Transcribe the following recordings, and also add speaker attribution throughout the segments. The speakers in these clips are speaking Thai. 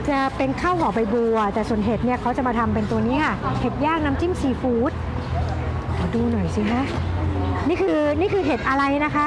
Speaker 1: จะเป็นข้าวห่อใบบัวแต่ส่วนเห็ดเนี่ยเขาจะมาทำเป็นตัวนี้ค่ะเห็ดย่างน้ำจิ้มซีฟู้ดขอดูหน่อยสิคะนี่คือเห็ดอะไรนะคะ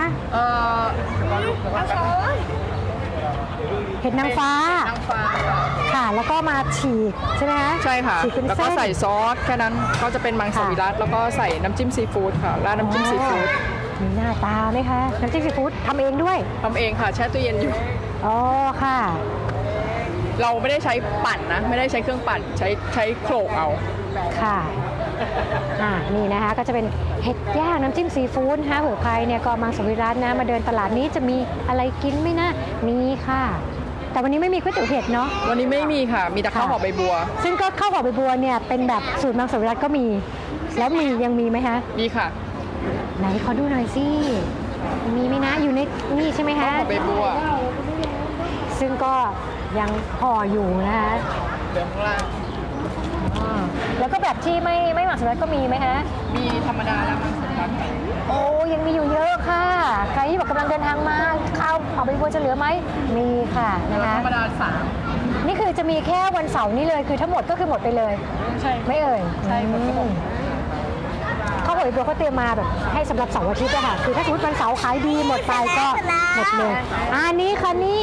Speaker 1: เห็ดนางฟ้าค่ะแล้วก็มาฉีกใช่ไหมคะ
Speaker 2: ใช่ค่ะ
Speaker 1: ฉีกเป็น
Speaker 2: แล้ว
Speaker 1: เส้
Speaker 2: ก็
Speaker 1: น
Speaker 2: ใส่ซอสแค่นั้นก็จะเป็นมังสวิรัติแล้วก็ใส่น้ำจิ้มซีฟู้ดค่ะราดน้ำจิ้มซีฟู้ด
Speaker 1: มีหน้าตาไหมคะน้ำจิ้มซีฟู้ดทำเองด้วย
Speaker 2: ทำเองค่ะแช่ตู้เย็นอยู่
Speaker 1: อ๋อค่ะ
Speaker 2: เราไม่ได้ใช้ปั่นนะไม่ได้ใช้เครื่องปั่นใช้โขลกเอา
Speaker 1: ค่ะนี่นะคะก็จะเป็นเห็ดย่างน้ำจิ้มซีฟู้ดนะคะเผื่อใครเนี่ยก็มังสวิรัตินะมาเดินตลาดนี้จะมีอะไรกินไหมนะมีค่ะ แต่วันนี้ไม่มีก๋วยเตี๋ยวเห็ดเนาะ
Speaker 2: วันนี้ไม่มีค่ะมีแต่ข้าวห่อใบบัว
Speaker 1: ซึ่งก็ข้าวห่อใบบัวเนี่ยเป็นแบบสูตรมังสวิรัติก็มี แล้วยังมีไหมคะ
Speaker 2: มีค่ะ
Speaker 1: ไหนขอดูหน่อยสิมีไหมนะอยู่ในนี่ใช่ไหมคะ
Speaker 2: ข้าวห่อใบบัว
Speaker 1: ซึ่งก็ยังห่ออยู่นะคะ
Speaker 2: เดี๋ยวข้างล่าง
Speaker 1: แล้วก็แบบที่ไม่หมักสวิรัติก็มีไหมฮะ
Speaker 2: มีธรรมดาและมังสวิรัติค่ะ
Speaker 1: โอ้ยังมีอยู่เยอะค่ะ ใครที่บอกกำลังเดินทางมาข้าวห่อใบบัวจะเหลือไหมมีค่ะนะคะ
Speaker 2: ธรรมดา3
Speaker 1: นี่คือจะมีแค่วันเสาร์นี้เลยคือทั้งหมดก็คือหมดไปเลย
Speaker 2: ใช่
Speaker 1: ไม่เอ่ย
Speaker 2: ใช่หมดก็หมด
Speaker 1: ข้าวห่อใบบัวเขาเตรียมมาแบบให้สำหรับเสาร์อาทิตย์อะค่ะคือถ้าสมมติวันเสาร์ขายดีหมดไปก็หมดเลยนี่ค่ะนี่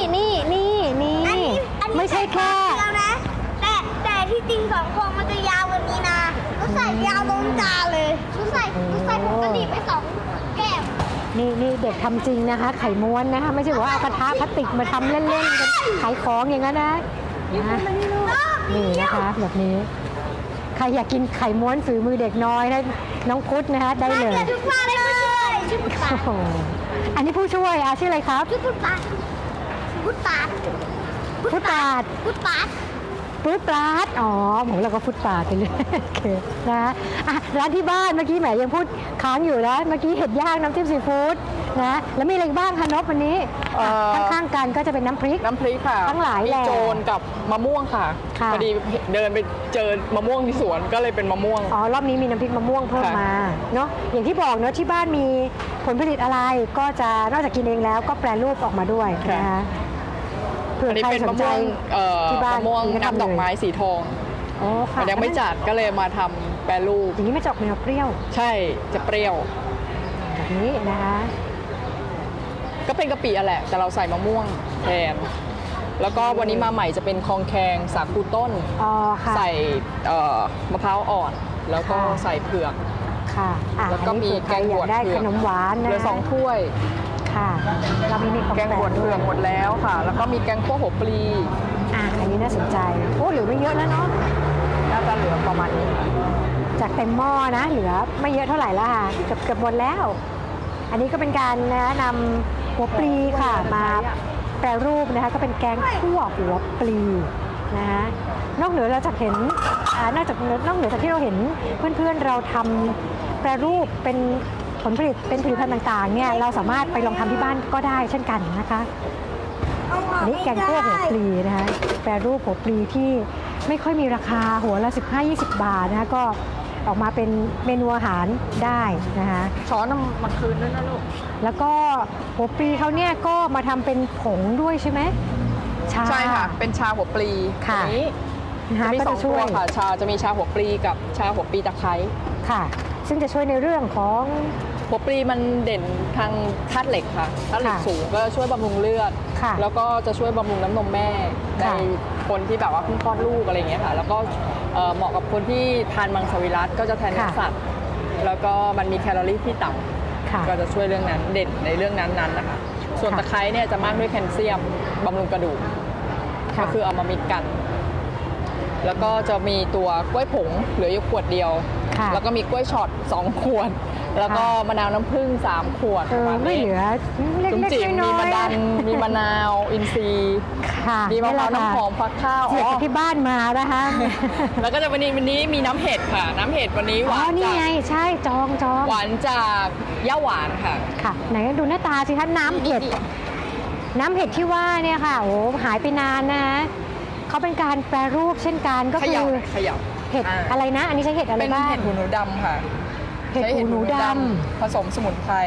Speaker 1: ไม่ใช่แค่
Speaker 3: แต่ที่จริง2 พวงมันจะยาวกว่านี้นะก็ใส่ยาวลงจานเลยก็ใส่ผงกะหรี่ไป2 แก้ว
Speaker 1: นี่เด็กทำจริงนะคะ ไข่ม้วนนะคะไม่ใช่ว่าเอากระทะพลาสติกมาทำเล่นๆกันขายของอย่างนั้นนะนี่นะคะแบบนี้ใครอยากกินไข่ม้วนฝีมือเด็กน้อยนะน้องพุทธนะคะได้เลย
Speaker 3: ทุกวันเลยชื่อพุทธปา
Speaker 1: โอ้โหอันนี้ผู้ช่วยชื่ออะไรครับ
Speaker 3: ชื่อพุทธปาพุทธปา
Speaker 1: พุทธาด
Speaker 3: พุทธปา
Speaker 1: ฟุตปาดอ๋อผมเราก็ฟุตปาดไปเลยโอเคนะร้านที่บ้านเมื่อกี้แหมยังพูดค้างอยู่นะเมื่อกี้เห็ดย่างน้ำจิ้มซีฟู้ดนะแล้วมีอะไรบ้างคะนพวันนี้ข้างๆกันก็จะเป็นน้ำพริก
Speaker 2: ค่ะ
Speaker 1: ทั้งหลายแหละ
Speaker 2: มีโจรกับมะม่วงค่ะ
Speaker 1: ค่ะ
Speaker 2: พอดีเดินไปเจอมะม่วงที่สวนก็เลยเป็นมะม่วง
Speaker 1: อ๋อรอบนี้มีน้ำพริกมะม่วงเพิ่ม
Speaker 2: ค่ะ
Speaker 1: มาเนาะอย่างที่บอกเนาะที่บ้านมีผลผลิตอะไรก็จะนอกจากกินเองแล้วก็แปรรูปออกมาด้วยนะคะเผื่
Speaker 2: อั
Speaker 1: อน
Speaker 2: นี้
Speaker 1: ใคร
Speaker 2: เป็น
Speaker 1: ส
Speaker 2: มะ
Speaker 1: นใจ
Speaker 2: ม่วง
Speaker 1: ที่บ้าน
Speaker 2: มะม่วง
Speaker 1: ก็ทำ
Speaker 2: น้ำดอกไม้สีทอง
Speaker 1: อ๋อค่ะ
Speaker 2: มันยังไม่จัดก็เลยมาทำแปรรูป
Speaker 1: อย่างนี้ไม่จอกแนวเปรี้ยว
Speaker 2: ใช่จะเปรี้ยว
Speaker 1: แบบนี้นะคะ
Speaker 2: ก็เป็นกะปิอะแหละ แต่เราใส่มะม่วงแทน แล้วก็วันนี้มาใหม่จะเป็นคองแคงสาคูต้น
Speaker 1: อ๋อค่ะ
Speaker 2: ใส่มะพร้าวอ่อน แล้วก็
Speaker 1: ค่ะ
Speaker 2: ใส่เผือก
Speaker 1: ค่ะ
Speaker 2: แล้วก็
Speaker 1: อันนี้
Speaker 2: มี
Speaker 1: คือใคร
Speaker 2: แกง
Speaker 1: อบ
Speaker 2: วย
Speaker 1: า
Speaker 2: ช
Speaker 1: กได้
Speaker 2: เผื
Speaker 1: ข
Speaker 2: อก
Speaker 1: นมหวานนะ
Speaker 2: เหลือ2 ถ้วย
Speaker 1: ค่ะเรามีนี่ของ
Speaker 2: แกงบวช
Speaker 1: ด้
Speaker 2: เผื
Speaker 1: วย
Speaker 2: อกหมดแล้วค่ะ แล้วก็มีแกงคั่วหัวปลี
Speaker 1: อันนี้น่าสนใจโอ้เหลือไม่เยอะแล้วเนาะ
Speaker 2: น่าจะเหลือประมาณนี้ค่ะ
Speaker 1: จากเต็มหม้อนะเหลือไม่เยอะเท่าไหร่แล้วค่ะเกือบหมดแล้ว อันนี้ก็เป็นการนำหัวปลีค่ะมาแปรรูปนะคะก็เป็นแกงคั่วหัวปลีนะคะนอกเหนือเราจะเห็นนอกเหนือจากที่เราเห็นเพื่อนๆเราทำแปรรูปเป็นผลผลิตเป็นผลิตภัณฑ์ต่างๆเนี่ยเราสามารถไปลองทำที่บ้านก็ได้เช่นกันนะคะอันนี้แกงคั่วหัวปลีนะคะแปรรูปหัวปลีที่ไม่ค่อยมีราคาหัวละ15-20 บาทนะคะก็ออกมาเป็นเมนูอาหารได้นะคะ
Speaker 2: ช้อนมาคืนด้วยนะลูก
Speaker 1: แล้วก็หัวปลีเขาเนี่ยก็มาทำเป็นผงด้วยใช่ไหมชา
Speaker 2: ใช่ค่ะ เป็นชาหัวปลี
Speaker 1: ค่ะ
Speaker 2: อันนี้
Speaker 1: นะคะ
Speaker 2: จะมี
Speaker 1: ก็
Speaker 2: สอ
Speaker 1: จะ
Speaker 2: ง
Speaker 1: ช่
Speaker 2: ตัว
Speaker 1: วย
Speaker 2: ค่ะจะมีชาหัวปลีกับชาหัวปลีตะไคร้
Speaker 1: ค่ะ ซึ่งจะช่วยในเรื่องของ
Speaker 2: หัวปลีมันเด่นทางธาตุเหล็กค่ะธาตุเหล็ก
Speaker 1: ค่ะ
Speaker 2: สูงก็ช่วยบำรุงเลือด
Speaker 1: ค่ะ
Speaker 2: แล้วก็จะช่วยบำรุงน้ำนมแม่ใน
Speaker 1: ค่ะ
Speaker 2: คนที่แบบว่าเพิ่งคลอดลูกอะไรอย่างเงี้ยค่ะ แล้วก็เหมาะกับคนที่ทานมังสวิรัติก็จะแทนเนื้อสัตว์ แล้วก็มันมีแคลอรี่ที่ต่ำ
Speaker 1: ค่ะ
Speaker 2: ก็จะช่วยเรื่องนั้นเด่นในเรื่องนั้นๆนะคะ ส่วน
Speaker 1: ค่ะ
Speaker 2: ตะไคร้เนี่ยจะมากด้วยแคลเซียมบำรุงกระดูก
Speaker 1: ค่ะ
Speaker 2: ก็คือเอามามิกกัน แล้วก็จะมีตัวกล้วยผงเหลืออยู่ขวดเดียว
Speaker 1: ค่ะ
Speaker 2: แล้วก็มีกล้วยช็อต2 ขวด แล้วก็มะนาวน้ำผึ้ง3 ขวดประาณ
Speaker 1: ไม่
Speaker 2: นี้
Speaker 1: เหลือเล็
Speaker 2: จุ๋มจิ๋
Speaker 1: ก
Speaker 2: ม
Speaker 1: ๆน้
Speaker 2: มี
Speaker 1: อย
Speaker 2: มะ
Speaker 1: ๆ
Speaker 2: ดัน มีมะนาว อินทรีย์
Speaker 1: ค่ะ
Speaker 2: มีมะพร้าว
Speaker 1: แหล
Speaker 2: น้ำหอมฟักข้าว
Speaker 1: เจีย
Speaker 2: อ๋
Speaker 1: ก
Speaker 2: อ
Speaker 1: จากที่บ้านมานะคะ
Speaker 2: แล้วก็จะวันนี้มีน้ำเห็ดค่ะ น้ำเห็ดวันนี้ห
Speaker 1: อ๋อ
Speaker 2: วาน
Speaker 1: นี่
Speaker 2: จาก
Speaker 1: ไงใช่จอง
Speaker 2: หวานจากย่าหวานค่ะ
Speaker 1: ค่ะไหนดูหน้าตาสิคะน้ำเห็ดน้ำเห็ดที่ว่าเนี่ยค่ะโอ้หายไปนานนะเขาเป็นการแปรรูปเช่นกันก็
Speaker 2: เข
Speaker 1: คื
Speaker 2: ย่า
Speaker 1: อ
Speaker 2: เขย่า
Speaker 1: เห็ดอะไรนะ อันนี้ใช้เห็ดอะไร
Speaker 2: เป็น
Speaker 1: บ้าง
Speaker 2: เห็ดหูหนูดำค่ะ
Speaker 1: เห็ด
Speaker 2: ใช้
Speaker 1: หูหนูด
Speaker 2: ผสมสมุนไพร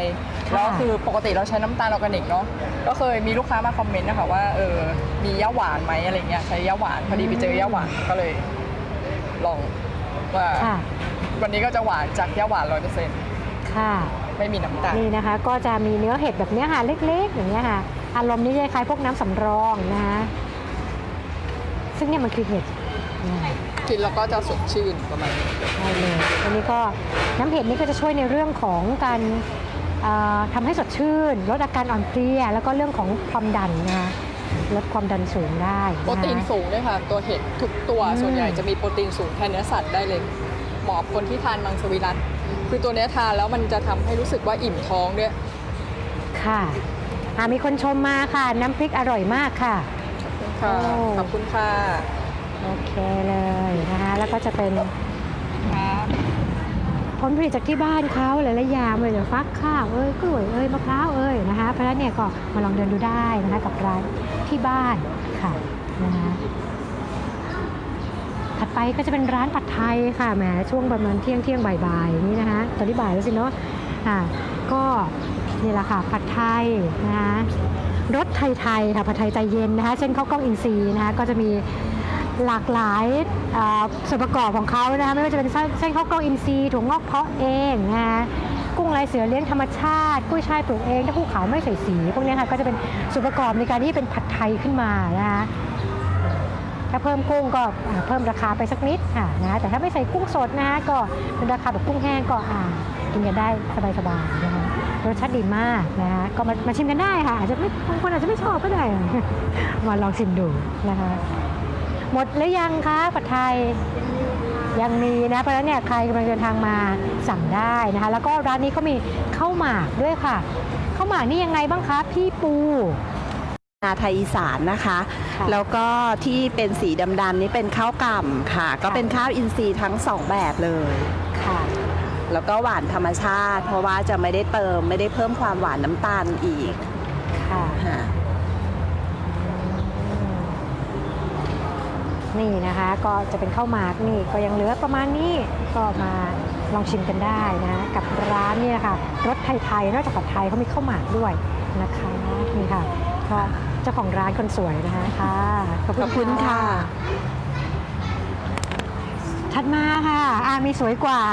Speaker 2: แล้วคือปกติเราใช้น้ำตาลออร์แกนิกเนาะก็เคยมีลูกค้ามาคอมเมนต์นะคะว่ามีย่าหวานไหมอะไรเงี้ยใช้ย่าหวานพอดีไปเจอย่าหวานก็เลยลองว่า
Speaker 1: ค่ะ
Speaker 2: วันนี้ก็จะหวานจากย่าหวาน100%
Speaker 1: ค่ะ
Speaker 2: ไม่มีน้ำตาล
Speaker 1: นี่นะคะก็จะมีเนื้อเห็ดแบบเนี้ยค่ะเล็กๆอย่างเงี้ยค่ะอารมณ์นี้คล้ายๆพวกน้ำสำรองนะคะซึ่งเนี่ยมันคือเห็ดนะ
Speaker 2: กินแล้วก็จะสดชื่นประมาณนี้
Speaker 1: ใช่เลยอันนี้ก็น้ำเห็ดนี่ก็จะช่วยในเรื่องของการทำให้สดชื่นลดอาการอ่อนเพลียแล้วก็เรื่องของความดันนะคะลดความดันสูงได้
Speaker 2: โปรตีนสูงด้วยค่ะตัวเห็ดทุกตัวส่วนใหญ่จะมีโปรตีนสูงแทนเนื้อสัตว์ได้เลยเหมาะกับคนที่ทานมังสวิรัติคือตัวเนี้ยทานแล้วมันจะทำให้รู้สึกว่าอิ่มท้องด้วย
Speaker 1: ค่ะมีคนชมมาค่ะน้ำพริกอร่อยมากค่ะ
Speaker 2: ค่ะ
Speaker 1: โอ้
Speaker 2: ขอบคุณค่ะ
Speaker 1: โอเคเลยนะคะแล้วก็จะเป็นผลผลิตจากที่บ้านเขาหลายๆอย่างเลยฟักข้าวกล้วยมะพร้าวนะคะเพราะฉะนั้นเนี่ยก็มาลองเดินดูได้นะคะกับร้านที่บ้านค่ะนะคะถัดไปก็จะเป็นร้านผัดไทยค่ะแหมช่วงประมาณเที่ยงบ่ายๆนี่นะคะตอนนี้บ่ายแล้วสิเนาะก็นี่แหละค่ะผัดไทยนะคะรสไทยๆค่ะผัดไทยใจเย็นนะคะเช่นข้าวกล้องอินทรีย์นะคะก็จะมีหลากหลายส่วนประกอบของเขานะคะไม่ว่าจะเป็นเส้นข้าวกล้องอินทรีย์ถั่วงอกเพาะเองนะคะกุ้งลายเสือเลี้ยงธรรมชาติกุ้ยช่ายปลูกเองเต้าหู้ขาวไม่ใส่สีพวกนี้ค่ะก็จะเป็นส่วนประกอบในการที่เป็นผัดไทยขึ้นมานะคะถ้าเพิ่มกุ้งก็เพิ่มราคาไปสักนิดค่ะนะแต่ถ้าไม่ใส่กุ้งสดนะคะก็เป็นราคาแบบกุ้งแห้งก็กินกันได้สบายๆนะคะรสชาติดีมากนะคะก็มาชิมกันได้ค่ะอาจจะไม่บางคนอาจจะไม่ชอบก็ได้ มาลองชิมดูนะคะหมดหรือยังคะผัดไทยยังมีนะเพราะฉะนั้นเนี่ยใครกำลังเดินทางมาสั่งได้นะคะแล้วก็ร้านนี้เขามีข้าวหมากด้วยค่ะข้าวหมากนี่ยังไงบ้างคะพี่ปู
Speaker 4: นาไทยอีสานนะคะ
Speaker 1: ค่ะ
Speaker 4: แล้วก็ที่เป็นสีดำๆนี่เป็นข้าวกล่ำค่ะ ก็เป็นข้าวอินทรีย์ทั้งสองแบบเลย
Speaker 1: ค่ะ
Speaker 4: แล้วก็หวานธรรมชาติ เพราะว่าจะไม่ได้เพิ่มความหวานน้ำตาลอีก
Speaker 1: ค่ะ
Speaker 4: ค่ะ
Speaker 1: นี่นะคะก็จะเป็นข้าวหมากนี่ก็ยังเหลือประมาณนี้ก็มาลองชิมกันได้นะกับร้านนี่นะคะรสไทยๆนอกจากผัดไทยเขามีข้าวหมากด้วยนะคะนี่ค่ะก็เจ้าของร้านคนสวยนะคะค่ะขอบคุณค่ะถัดมาค่ะมีสวยกว่า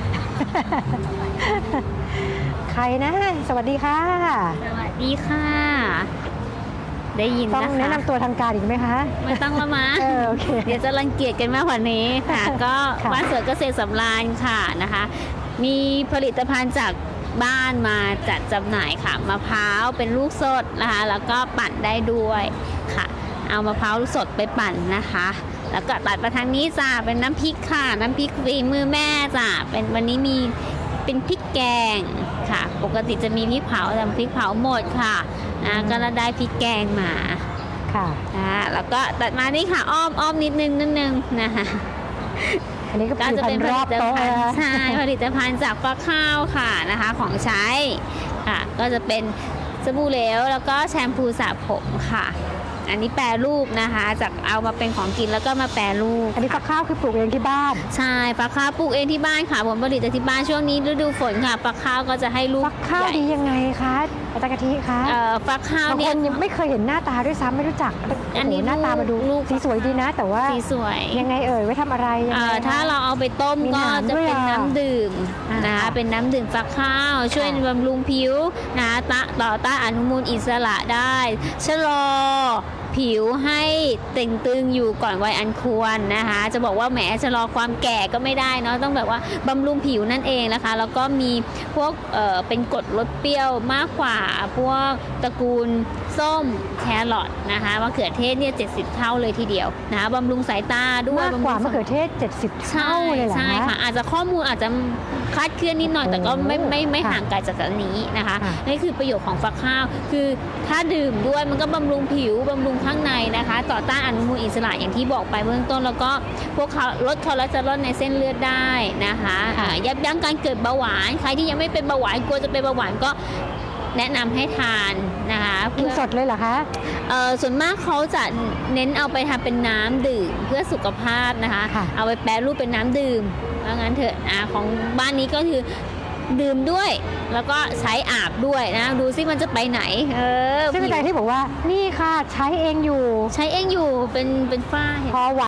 Speaker 1: ใครนะสวัสดีค่ะ
Speaker 5: สวัสดีค่ะ ได้ยิน
Speaker 1: ต้อง
Speaker 5: นะคะ
Speaker 1: แนะนำตัวทางการอีกไหมคะ
Speaker 5: ไม่ต้องละมั้ง
Speaker 1: โอเค
Speaker 5: เดี๋ยวจะรังเกียจกันมากกว่านี้ค่ะ ก็
Speaker 1: ค่ะ
Speaker 5: บ้านสวนเกษตรสำราญค่ะนะคะ มีผลิตภัณฑ์จากบ้านมาจัดจำหน่ายค่ะมะพร้าวเป็นลูกสดนะคะแล้วก็ปั่นได้ด้วยค่ะ เอามะพร้าวสดไปปั่นนะคะ แล้วก็ตัดมาทางนี้จ้าเป็นน้ำพริกค่ะ น้ำพริกฝีมือแม่จ้าเป็นวันนี้มีเป็นพริกแกงค่ะ ปกติจะมีพริกเผาแต่พริกเผาหมดค่ะนะก็ได้พริกแกงมา
Speaker 1: ค่ะ
Speaker 5: แล้วก็ตัดมานี่ค่ะอ้อมนิดนึงนะคะ
Speaker 1: อันนี้ก็
Speaker 5: ก็จะเป็นผ
Speaker 1: ร
Speaker 5: ลิ
Speaker 1: อบ
Speaker 5: ต
Speaker 1: โต๊ะ
Speaker 5: ภัณ
Speaker 1: นะ
Speaker 5: ฑ์
Speaker 1: คะ
Speaker 5: ใช่ผลิตภัณฑ์จากฟักข้าวค่ะนะคะของใช้ค่ะก็จะเป็นสบู่เหลวแล้วก็แชมพูสระผมค่ะ อันนี้แปรรูปนะคะจากเอามาเป็นของกินแล้วก็มาแปรรูป
Speaker 1: อันนี้ฟักข้าวคือปลูกเองที่บ้าน
Speaker 5: ใช่ฟักข้าวปลูกเองที่บ้านค่ะผลผลิตจากที่บ้านช่วงนี้ฤดูฝนค่ะฟักข้าวก็จะให้ลูก
Speaker 1: ฟักข้าว
Speaker 5: ใหญ่
Speaker 1: ดียังไงคะอาจารย์กะทิคะ
Speaker 5: ฟักข้าว
Speaker 1: บาง
Speaker 5: เนี่
Speaker 1: ค
Speaker 5: ย
Speaker 1: นยังไม่เคยเห็นหน้าตาด้วยซ้ำไม่รู้จัก
Speaker 5: อันนี้
Speaker 1: โโหหน้าตามาดู
Speaker 5: ลูก
Speaker 1: สีสวยดีนะ แต่ว่า
Speaker 5: สีสวย
Speaker 1: ยังไงไว้ทำอะไรยังไงคะ
Speaker 5: ถ้าเราเอาไปต้ม
Speaker 1: มี
Speaker 5: ก็
Speaker 1: หนาม
Speaker 5: จะ
Speaker 1: ด้วย
Speaker 5: เป็น
Speaker 1: อ่ะ
Speaker 5: น้ำดื่มนะคะ
Speaker 1: ค่ะ
Speaker 5: เป็นน้ำดื่มฟักข้าว ช่วย
Speaker 1: ค่ะ
Speaker 5: บำรุงผิวนะคะต่อต้านอนุมูลอิสระได้ชะลอผิวให้เต่งตึงอยู่ก่อนวัยอันควรนะคะ จะบอกว่าแหมชะลอความแก่ก็ไม่ได้เนาะต้องแบบว่าบำรุงผิวนั่นเองนะคะ แล้วก็มีพวกเป็นกรดลดเปรี้ยวมากกว่าพวกตระกูลส้มแครอทนะคะมะเขือเทศเนี่ย70 เท่าเลยทีเดียวนะคะบำรุงสายตาด้วย
Speaker 1: มากกว่า
Speaker 5: บำรุง
Speaker 1: มะเขือเทศ 70 เท่าเลยเหรอ
Speaker 5: ใช่ค่ะ อาจจะข้อมูลอาจจะคลาดเคลื่อนนิดหน่อย แต่ก็ไม่
Speaker 1: ค่ะ
Speaker 5: ห่างไกลจากอันนี้นะคะ
Speaker 1: ค่ะ
Speaker 5: นี่คือประโยชน์ของฟักข้าว คือถ้าดื่มด้วยมันก็บำรุงผิวบำรุงข้างในนะคะ ต่อต้านอนุมูลอิสระอย่างที่บอกไปเบื้องต้น แล้วก็พวกลดคอเลสเตอรอลในเส้นเลือดได้นะคะยับยั้งการเกิดเบาหวานใครที่ยังไม่เป็นเบาหวานกลัวจะเป็นเบาหวานก็แนะนำให้ทานนะคะ
Speaker 1: กินสดเลยเหรอคะ
Speaker 5: ส่วนมากเขาจะเน้นเอาไปทำเป็นน้ำดื่มเพื่อสุขภาพนะคะ
Speaker 1: ค่ะ
Speaker 5: เอาไปแปรรูปเป็นน้ำดื่มว่างั้นเถอะของบ้านนี้ก็คือดื่มด้วย แล้วก็ใช้อาบด้วยนะ ดูซิมันจะไปไหน
Speaker 1: ซึ่งอาจารย์ที่บอกว่านี่ค่ะใช้เองอยู่
Speaker 5: ใช้เองอยู่เป็นฝ้าเห็นไหม
Speaker 1: พอ